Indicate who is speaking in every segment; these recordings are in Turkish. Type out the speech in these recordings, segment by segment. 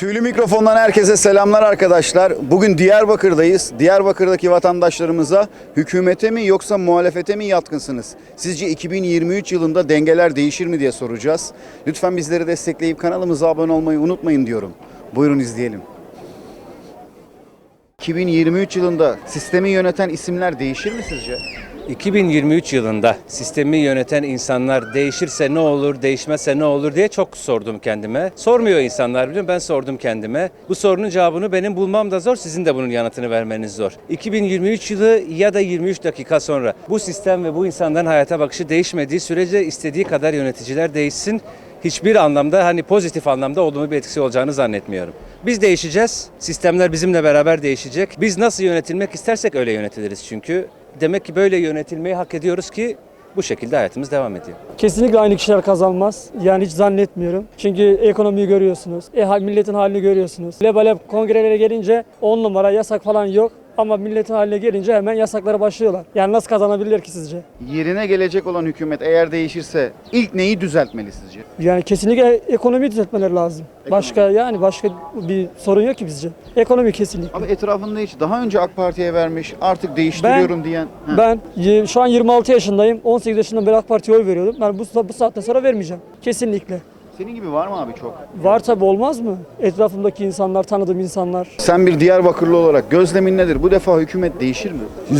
Speaker 1: Tüylü mikrofondan herkese selamlar arkadaşlar. Bugün Diyarbakır'dayız. Diyarbakır'daki vatandaşlarımıza hükümete mi yoksa muhalefete mi yatkınsınız? Sizce 2023 yılında dengeler değişir mi diye soracağız. Lütfen bizleri destekleyip kanalımıza abone olmayı unutmayın diyorum. Buyurun izleyelim. 2023 yılında sistemi yöneten isimler değişir mi sizce?
Speaker 2: 2023 yılında sistemi yöneten insanlar değişirse ne olur, değişmezse ne olur diye çok sordum kendime. Sormuyor insanlar biliyorum, ben sordum kendime. Bu sorunun cevabını benim bulmam da zor, sizin de bunun yanıtını vermeniz zor. 2023 yılı ya da 23 dakika sonra bu sistem ve bu insanların hayata bakışı değişmediği sürece istediği kadar yöneticiler değişsin. Hiçbir anlamda pozitif anlamda olumlu bir etkisi olacağını zannetmiyorum. Biz değişeceğiz, sistemler bizimle beraber değişecek. Biz nasıl yönetilmek istersek öyle yönetiliriz çünkü. Demek ki böyle yönetilmeyi hak ediyoruz ki bu şekilde hayatımız devam ediyor.
Speaker 3: Kesinlikle aynı kişiler kazanmaz. Yani hiç zannetmiyorum. Çünkü ekonomiyi görüyorsunuz. Milletin halini görüyorsunuz. Lebalep kongrelere gelince 10 numara yasak falan yok. Ama milletin haline gelince hemen yasaklara başlıyorlar. Yani nasıl kazanabilir ki sizce?
Speaker 1: Yerine gelecek olan hükümet eğer değişirse ilk neyi düzeltmeli sizce?
Speaker 3: Yani kesinlikle ekonomiyi düzeltmeleri lazım. Başka bir sorun yok ki bizce. Ekonomi kesinlikle.
Speaker 1: Abi etrafında hiç daha önce AK Parti'ye vermiş artık değiştiriyorum diyen.
Speaker 3: Ben şu an 26 yaşındayım. 18 yaşından beri AK Parti'ye oy veriyordum. Ben bu saatten sonra vermeyeceğim. Kesinlikle.
Speaker 1: Senin gibi var mı abi çok?
Speaker 3: Var tabii, olmaz mı? Etrafımdaki insanlar, tanıdığım insanlar.
Speaker 1: Sen bir Diyarbakırlı olarak gözlemin nedir? Bu defa hükümet değişir mi?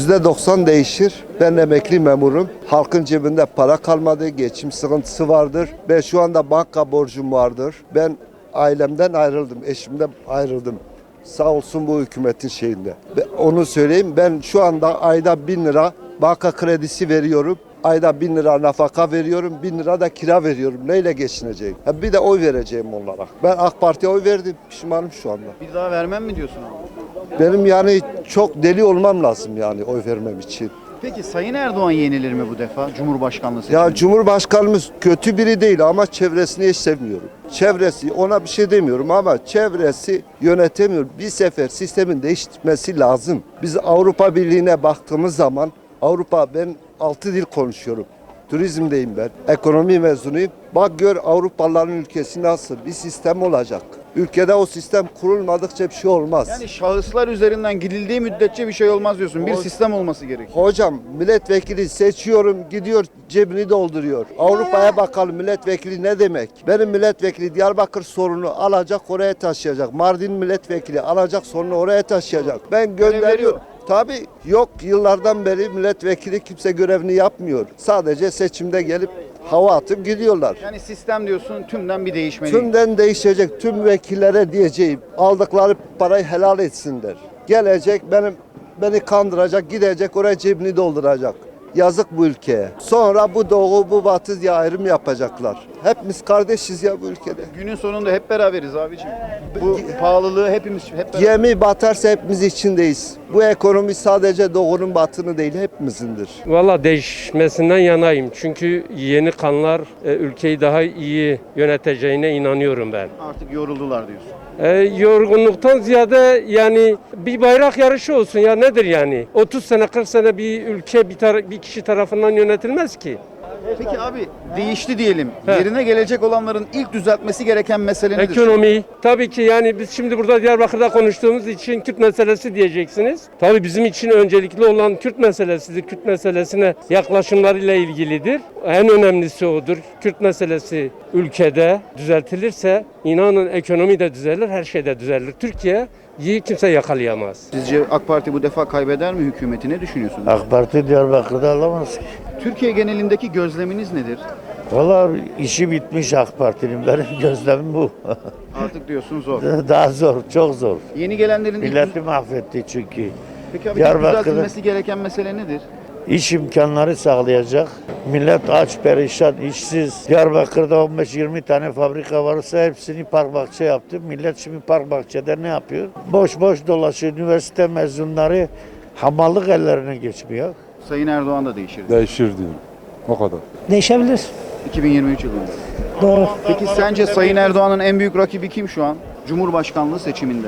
Speaker 4: %90 değişir. Ben emekli memurum. Halkın cebinde para kalmadı, geçim sıkıntısı vardır. Ben şu anda banka borcum vardır. Ben ailemden ayrıldım, eşimden ayrıldım. Sağ olsun bu hükümetin şeyinde. Onu söyleyeyim, ben şu anda ayda 1000 lira banka kredisi veriyorum. Ayda 1000 lira nafaka veriyorum, 1000 lira da kira veriyorum. Neyle geçineceğim? Bir de oy vereceğim onlara. Ben AK Parti'ye oy verdim, pişmanım şu anda.
Speaker 1: Bir daha vermem mi diyorsun abi?
Speaker 4: Benim yani çok deli olmam lazım yani oy vermem için.
Speaker 1: Peki Sayın Erdoğan yenilir mi bu defa Cumhurbaşkanlığı seçiminde?
Speaker 4: Ya Cumhurbaşkanımız kötü biri değil ama çevresini hiç sevmiyorum. Çevresi, ona bir şey demiyorum ama çevresi yönetemiyor. Bir sefer sistemin değiştirmesi lazım. Biz Avrupa Birliği'ne baktığımız zaman ben 6 dil konuşuyorum. Turizmdeyim ben. Ekonomi mezunuyum. Bak gör Avrupalıların ülkesi nasıl bir sistem olacak. Ülkede o sistem kurulmadıkça bir şey olmaz.
Speaker 1: Yani şahıslar üzerinden gidildiği müddetçe bir şey olmaz diyorsun. Bir sistem olması gerekiyor.
Speaker 4: Hocam milletvekili seçiyorum, gidiyor cebini dolduruyor. Avrupa'ya bakalım milletvekili ne demek? Benim milletvekili Diyarbakır sorunu alacak oraya taşıyacak. Mardin milletvekili alacak sorunu oraya taşıyacak. Ben gönderiyorum. Tabii yok, yıllardan beri milletvekili kimse görevini yapmıyor. Sadece seçimde gelip hava atıp gidiyorlar.
Speaker 1: Yani sistem diyorsun tümden bir değişmeli.
Speaker 4: Tümden değişecek. Tüm vekillere diyeceğim aldıkları parayı helal etsinler. Gelecek beni kandıracak, gidecek oraya cebini dolduracak. Yazık bu ülkeye. Sonra bu doğu bu batı diye ayrım yapacaklar. Hepimiz kardeşiz ya bu ülkede.
Speaker 1: Günün sonunda hep beraberiz abicim. Bu pahalılığı hep beraber.
Speaker 4: Gemi batarsa hepimiz içindeyiz. Bu ekonomi sadece doğunun batını değil hepimizindir.
Speaker 5: Valla değişmesinden yanayım. Çünkü yeni kanlar ülkeyi daha iyi yöneteceğine inanıyorum ben.
Speaker 1: Artık yoruldular diyorsun.
Speaker 5: Yorgunluktan ziyade yani bir bayrak yarışı olsun ya, nedir yani? 30 sene 40 sene bir ülke bir kişi tarafından yönetilmez ki.
Speaker 1: Peki abi değişti diyelim. Yerine gelecek olanların ilk düzeltmesi gereken mesele nedir?
Speaker 5: Ekonomi. Tabii ki yani biz şimdi burada Diyarbakır'da konuştuğumuz için Kürt meselesi diyeceksiniz. Tabii bizim için öncelikli olan Kürt meselesidir. Kürt meselesine yaklaşımlarıyla ilgilidir. En önemlisi odur. Kürt meselesi ülkede düzeltilirse inanın ekonomi de düzelir, her şey de düzelir. Türkiye'yi kimse yakalayamaz.
Speaker 1: Sizce AK Parti bu defa kaybeder mi hükümeti? Ne düşünüyorsunuz?
Speaker 6: AK Parti Diyarbakır'da alamaz ki.
Speaker 1: Türkiye genelindeki gözleminiz nedir?
Speaker 6: Valla işi bitmiş AK Parti'nin. Benim gözlemim bu.
Speaker 1: Artık diyorsun zor.
Speaker 6: Daha zor, çok zor.
Speaker 1: Yeni gelenlerin
Speaker 6: Milleti mahvetti çünkü.
Speaker 1: Peki abi
Speaker 6: Diyarbakır'da
Speaker 1: düzeltilmesi gereken mesele nedir?
Speaker 6: iş imkanları sağlayacak. Millet aç, perişan, işsiz. Diyarbakır'da 15-20 tane fabrika varsa hepsini park bahçe yaptı. Millet şimdi park bahçede ne yapıyor? Boş boş dolaşıyor. Üniversite mezunları hamallık ellerine geçmiyor.
Speaker 1: Sayın Erdoğan da değişir.
Speaker 7: Değişir diyorum. O kadar.
Speaker 3: Değişebilir.
Speaker 1: 2023 yılında.
Speaker 3: Doğru.
Speaker 1: Peki sence Sayın Erdoğan'ın en büyük rakibi kim şu an? Cumhurbaşkanlığı seçiminde.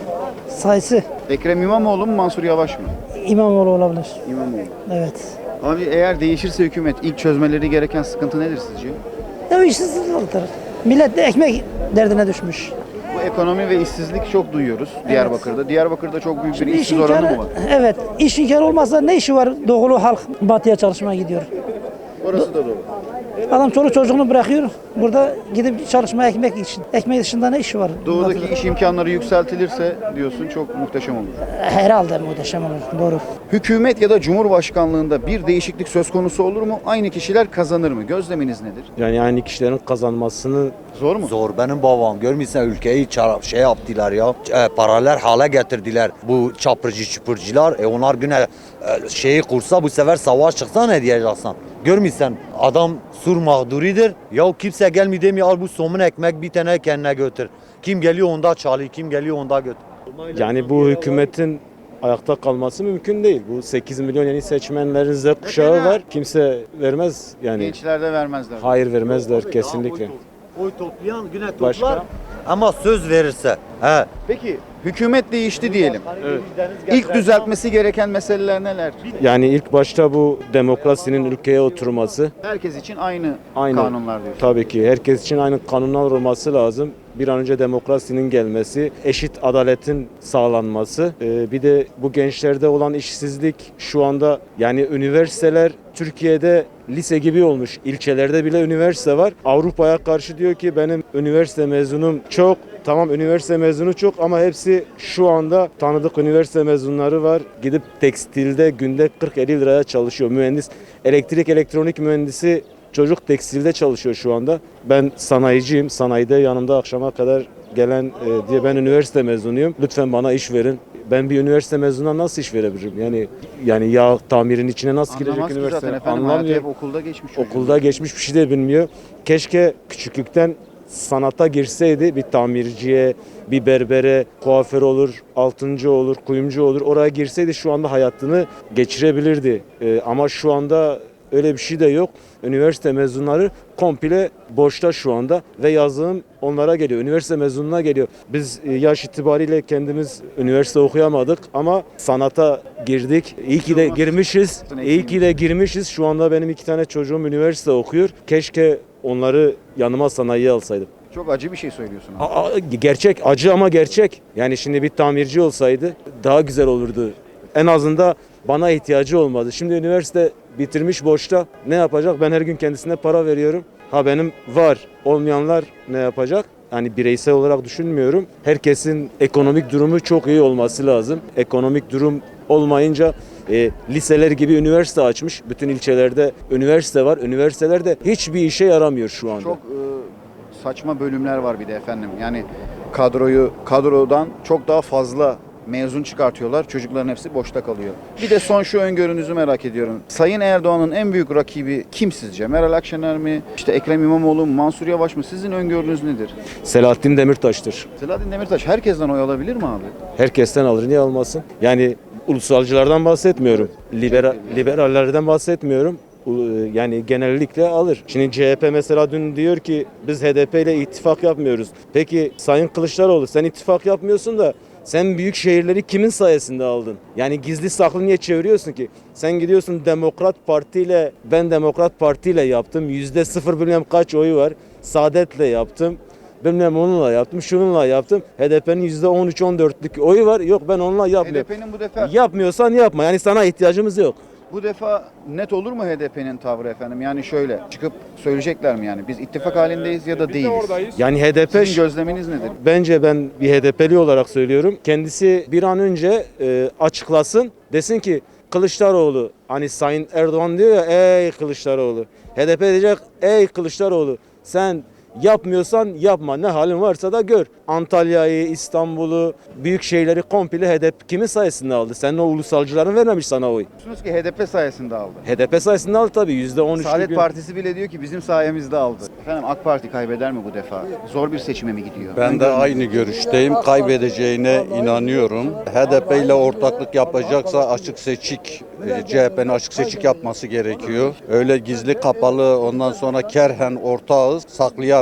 Speaker 3: Sayısı
Speaker 1: Ekrem İmamoğlu mu Mansur Yavaş mı?
Speaker 3: İmamoğlu olabilir.
Speaker 1: İmamoğlu.
Speaker 3: Evet.
Speaker 1: Abi eğer değişirse hükümet ilk çözmeleri gereken sıkıntı nedir sizce?
Speaker 3: Ya işsizliktir. Millet de ekmek derdine düşmüş.
Speaker 1: Bu ekonomi ve işsizlik çok duyuyoruz Diyarbakır'da. Diyarbakır'da çok büyük bir
Speaker 8: İş
Speaker 1: işsiz oranı
Speaker 8: imkanı,
Speaker 1: mı var?
Speaker 8: evet, iş imkanı olmazsa ne işi var? Doğulu halk batıya çalışmaya gidiyor.
Speaker 1: Orası da doğru.
Speaker 8: Adam çoluk çocuğunu bırakıyor. Burada gidip çalışmaya ekmek için. Ekmek dışında ne işi var?
Speaker 1: Doğudaki
Speaker 8: Batıda?
Speaker 1: iş imkanları yükseltilirse diyorsun çok muhteşem olur.
Speaker 8: Herhalde muhteşem olur. Doğru.
Speaker 1: Hükümet ya da Cumhurbaşkanlığında bir değişiklik söz konusu olur mu? Aynı kişiler kazanır mı? Gözleminiz nedir?
Speaker 9: Yani aynı kişilerin kazanmasını
Speaker 1: Zor mu?
Speaker 10: Zor. Benim babam görmüşsen ülkeyi şey yaptılar ya. Paralel hale getirdiler. Bu çapırcı çupurcular. Onlar güne şeyi kursa bu sefer savaş çıksa ne diyeceksin? Görmüşsen adam sur mağduridir. Ya kimse gelmiyor demiyor al bu somun ekmek bir tane kendine götür. Kim geliyor onda çalıyor, kim geliyor onda götür.
Speaker 9: yani bu hükümetin ayakta kalması mümkün değil. Bu 8 milyon yeni seçmenlerin Z kuşağı var. Kimse vermez yani.
Speaker 1: Gençler de vermezler.
Speaker 9: Hayır vermezler kesinlikle.
Speaker 10: Oy toplayan güne toplar.
Speaker 9: Başka?
Speaker 10: Ama söz verirse. He.
Speaker 1: Peki hükümet değişti diyelim. İlk düzeltmesi gereken meseleler neler?
Speaker 9: Yani ilk başta bu demokrasinin ülkeye oturması.
Speaker 1: Herkes için aynı
Speaker 9: Aynı.
Speaker 1: kanunlar diyorsun.
Speaker 9: Tabii ki herkes için aynı kanunlar olması lazım. Bir an önce demokrasinin gelmesi, eşit adaletin sağlanması. Bir de bu gençlerde olan işsizlik şu anda yani üniversiteler Türkiye'de lise gibi olmuş. İlçelerde bile üniversite var. Avrupa'ya karşı diyor ki benim üniversite mezunum çok. Tamam üniversite mezunu çok ama hepsi şu anda tanıdık üniversite mezunları var. Gidip tekstilde günde 40-50 liraya çalışıyor. Mühendis, elektrik elektronik mühendisi çocuk tekstilde çalışıyor şu anda. Ben sanayiciyim. Sanayide yanımda akşama kadar gelen diye ben üniversite mezunuyum. Lütfen bana iş verin. Ben bir üniversite mezununa nasıl iş verebilirim? Yani yağ tamirin içine nasıl girecek
Speaker 1: Anlamaz ki
Speaker 9: üniversite?
Speaker 1: zaten efendim. Hayatı
Speaker 9: Anlamıyor.
Speaker 1: hep okulda geçmiş çocuğun.
Speaker 9: Okulda geçmiş bir şey de bilmiyor. Keşke küçüklükten sanata girseydi bir tamirciye, bir berbere, kuaför olur, altıncı olur, kuyumcu olur. Oraya girseydi şu anda hayatını geçirebilirdi. Ama şu anda öyle bir şey de yok. Üniversite mezunları komple boşta şu anda ve yazılım onlara geliyor. Üniversite mezununa geliyor. Biz yaş itibariyle kendimiz üniversite okuyamadık ama sanata girdik. İyi ki de girmişiz. İyi ki de girmişiz. Şu anda benim 2 tane çocuğum üniversite okuyor. Keşke onları yanıma sanayiye alsaydım.
Speaker 1: Çok acı bir şey söylüyorsun. Abi.
Speaker 9: Gerçek, acı ama gerçek. Yani şimdi bir tamirci olsaydı daha güzel olurdu. En azından bana ihtiyacı olmadı. Şimdi üniversite bitirmiş boşta. Ne yapacak? Ben her gün kendisine para veriyorum. Benim var. Olmayanlar ne yapacak? Yani bireysel olarak düşünmüyorum. Herkesin ekonomik durumu çok iyi olması lazım. Ekonomik durum olmayınca liseler gibi üniversite açmış. Bütün ilçelerde üniversite var. Üniversitelerde hiçbir işe yaramıyor şu anda.
Speaker 1: Çok saçma bölümler var bir de efendim. Yani kadrodan çok daha fazla mezun çıkartıyorlar. Çocukların hepsi boşta kalıyor. Bir de son şu öngörünüzü merak ediyorum. Sayın Erdoğan'ın en büyük rakibi kim sizce? Meral Akşener mi? İşte Ekrem İmamoğlu mu? Mansur Yavaş mı? Sizin öngörünüz nedir?
Speaker 9: Selahattin Demirtaş'tır.
Speaker 1: Selahattin Demirtaş herkesten oy alabilir mi abi?
Speaker 9: Herkesten alır, niye almasın? Yani ulusalcılardan bahsetmiyorum. Liberallerden bahsetmiyorum. Yani genellikle alır. Şimdi CHP mesela dün diyor ki biz HDP ile ittifak yapmıyoruz. Peki Sayın Kılıçdaroğlu sen ittifak yapmıyorsun da sen büyük şehirleri kimin sayesinde aldın? Yani gizli saklı niye çeviriyorsun ki? Sen gidiyorsun Demokrat Parti ile ben Demokrat Parti ile yaptım. %0 bilmem kaç oyu var. Saadet'le yaptım. Bilmem onunla yaptım, şununla yaptım. HDP'nin %13-14'lük oyu var. Yok ben onunla yapmıyorum.
Speaker 1: HDP'nin bu defa
Speaker 9: Yapmıyorsan yapma. Yani sana ihtiyacımız yok.
Speaker 1: bu defa net olur mu HDP'nin tavrı efendim? Yani şöyle çıkıp söyleyecekler mi yani? Biz ittifak halindeyiz ya da değiliz.
Speaker 9: Yani HDP
Speaker 1: Sizin gözleminiz nedir?
Speaker 9: bence ben bir HDP'li olarak söylüyorum. Kendisi bir an önce açıklasın. Desin ki Kılıçdaroğlu hani Sayın Erdoğan diyor ya ey Kılıçdaroğlu. HDP diyecek ey Kılıçdaroğlu sen yapmıyorsan yapma. Ne halin varsa da gör. Antalya'yı, İstanbul'u, büyük şehirleri komple HDP kimin sayesinde aldı? Senin o ulusalcıların vermemiş sana oy.
Speaker 1: Diyorsunuz ki HDP sayesinde aldı.
Speaker 9: HDP sayesinde aldı tabii. %13'lük.
Speaker 1: Saadet Partisi bile diyor ki bizim sayemizde aldı. Efendim AK Parti kaybeder mi bu defa? Zor bir seçime mi gidiyor?
Speaker 7: Ben de aynı görüşteyim. Kaybedeceğine inanıyorum. HDP ile ortaklık yapacaksa açık seçik, CHP'nin açık seçik yapması gerekiyor. Öyle gizli kapalı ondan sonra kerhen ortağız saklayarak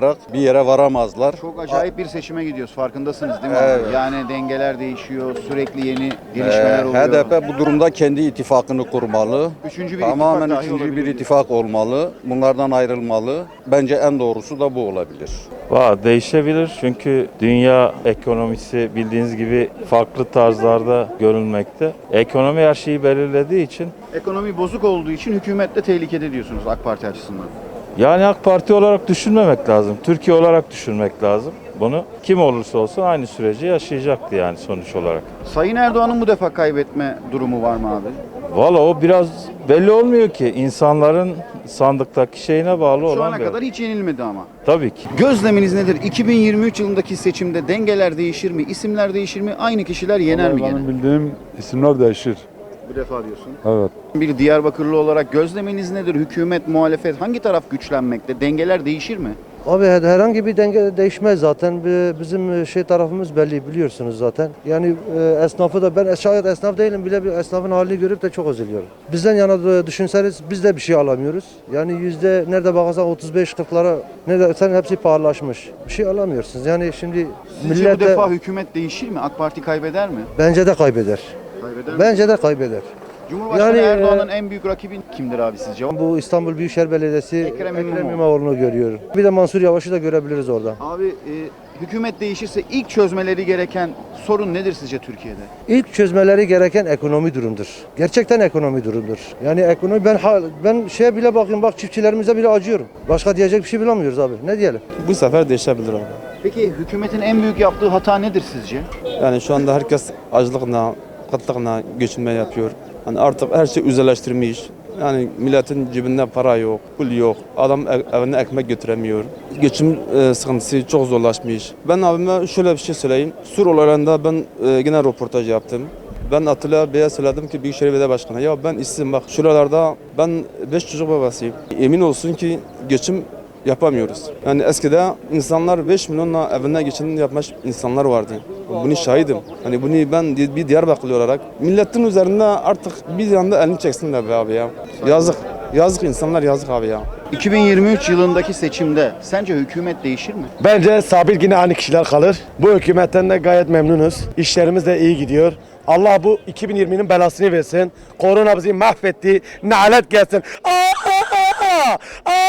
Speaker 7: oynayarak bir yere varamazlar.
Speaker 1: Çok acayip bir seçime gidiyoruz. Farkındasınız değil mi?
Speaker 7: Evet.
Speaker 1: abi? Yani dengeler değişiyor. Sürekli yeni gelişmeler oluyor.
Speaker 7: HDP bu durumda kendi ittifakını kurmalı.
Speaker 1: Üçüncü bir
Speaker 7: Tamamen
Speaker 1: ittifak dahi
Speaker 7: üçüncü bir
Speaker 1: olabilir.
Speaker 7: ittifak olmalı. Bunlardan ayrılmalı. Bence en doğrusu da bu olabilir.
Speaker 11: Değişebilir çünkü dünya ekonomisi bildiğiniz gibi farklı tarzlarda görülmekte. Ekonomi her şeyi belirlediği için
Speaker 1: Ekonomi bozuk olduğu için hükümet de tehlikede diyorsunuz AK Parti açısından.
Speaker 11: yani AK Parti olarak düşünmemek lazım. Türkiye olarak düşünmek lazım. Bunu kim olursa olsun aynı süreci yaşayacaktı yani sonuç olarak.
Speaker 1: Sayın Erdoğan'ın bu defa kaybetme durumu var mı abi?
Speaker 11: Valla o biraz belli olmuyor ki insanların sandıktaki şeyine bağlı
Speaker 1: Şu
Speaker 11: olan
Speaker 1: ana
Speaker 11: bir.
Speaker 1: kadar hiç yenilmedi ama.
Speaker 11: Tabii ki.
Speaker 1: Gözleminiz nedir? 2023 yılındaki seçimde dengeler değişir mi? İsimler değişir mi? Aynı kişiler yener mi gene?
Speaker 12: Benim bildiğim isimler değişir.
Speaker 1: Bu defa diyorsun.
Speaker 12: Evet.
Speaker 1: Bir Diyarbakırlı olarak gözleminiz nedir? Hükümet, muhalefet hangi taraf güçlenmekte? Dengeler değişir mi?
Speaker 13: Abi herhangi bir denge değişmez zaten. Bizim tarafımız belli biliyorsunuz zaten. Yani esnafı da ben şayet esnaf değilim bile bir esnafın halini görüp de çok üzülüyorum. Bizden yana düşünseniz biz de bir şey alamıyoruz. Yani yüzde nerede bakarsan 35-40'lara ne dersen hepsi pahalılaşmış. Bir şey alamıyorsunuz. Yani şimdi
Speaker 1: Sizce
Speaker 13: millet
Speaker 1: bu
Speaker 13: de
Speaker 1: defa hükümet değişir mi? AK Parti kaybeder mi?
Speaker 13: bence de kaybeder.
Speaker 1: Kaybeder mi?
Speaker 13: Bence de kaybeder.
Speaker 1: Cumhurbaşkanı
Speaker 13: Yani,
Speaker 1: Erdoğan'ın en büyük rakibi kimdir abi sizce?
Speaker 13: Bu İstanbul Büyükşehir Belediyesi
Speaker 1: Ekrem İmamoğlu.
Speaker 13: İmamoğlu'nu görüyorum. Bir de Mansur Yavaş'ı da görebiliriz orada.
Speaker 1: Abi hükümet değişirse ilk çözmeleri gereken sorun nedir sizce Türkiye'de?
Speaker 13: İlk çözmeleri gereken ekonomi durumdur. Gerçekten ekonomi durumdur. Yani ekonomi ben şeye bile bakıyorum bak çiftçilerimize bile acıyorum. Başka diyecek bir şey bulamıyoruz abi. Ne diyelim?
Speaker 9: Bu sefer değişebilir abi.
Speaker 1: Peki hükümetin en büyük yaptığı hata nedir sizce?
Speaker 9: Yani şu anda herkes açlıkla, kıtlıkla geçinme yapıyor. Yani artık her şey özelleştirmiş. Yani milletin cebinde para yok, pul yok. Adam evine ekmek götüremiyor. Geçim sıkıntısı çok zorlaşmış. Ben abime şöyle bir şey söyleyeyim. Sur olaylarında ben yine röportaj yaptım. Ben Atilla Bey'e söyledim ki Büyükşehir Belediye Başkanı ya ben işsizim bak şuralarda ben 5 çocuk babasıyım. Emin olsun ki geçim yapamıyoruz. Yani eskiden insanlar 5 milyonla evine geçim yapmış insanlar vardı. Bunu şahidim. Hani bunu ben bir Diyarbakırlı olarak milletin üzerinde artık bir yanda elini çeksinler be abi ya. Yazık. Yazık insanlar yazık abi ya.
Speaker 1: 2023 yılındaki seçimde sence hükümet değişir mi?
Speaker 14: Bence sabit yine aynı kişiler kalır. Bu hükümetten de gayet memnunuz. İşlerimiz de iyi gidiyor. Allah bu 2020'nin belasını versin. Korona bizi mahvetti. Nalet gelsin. Aa!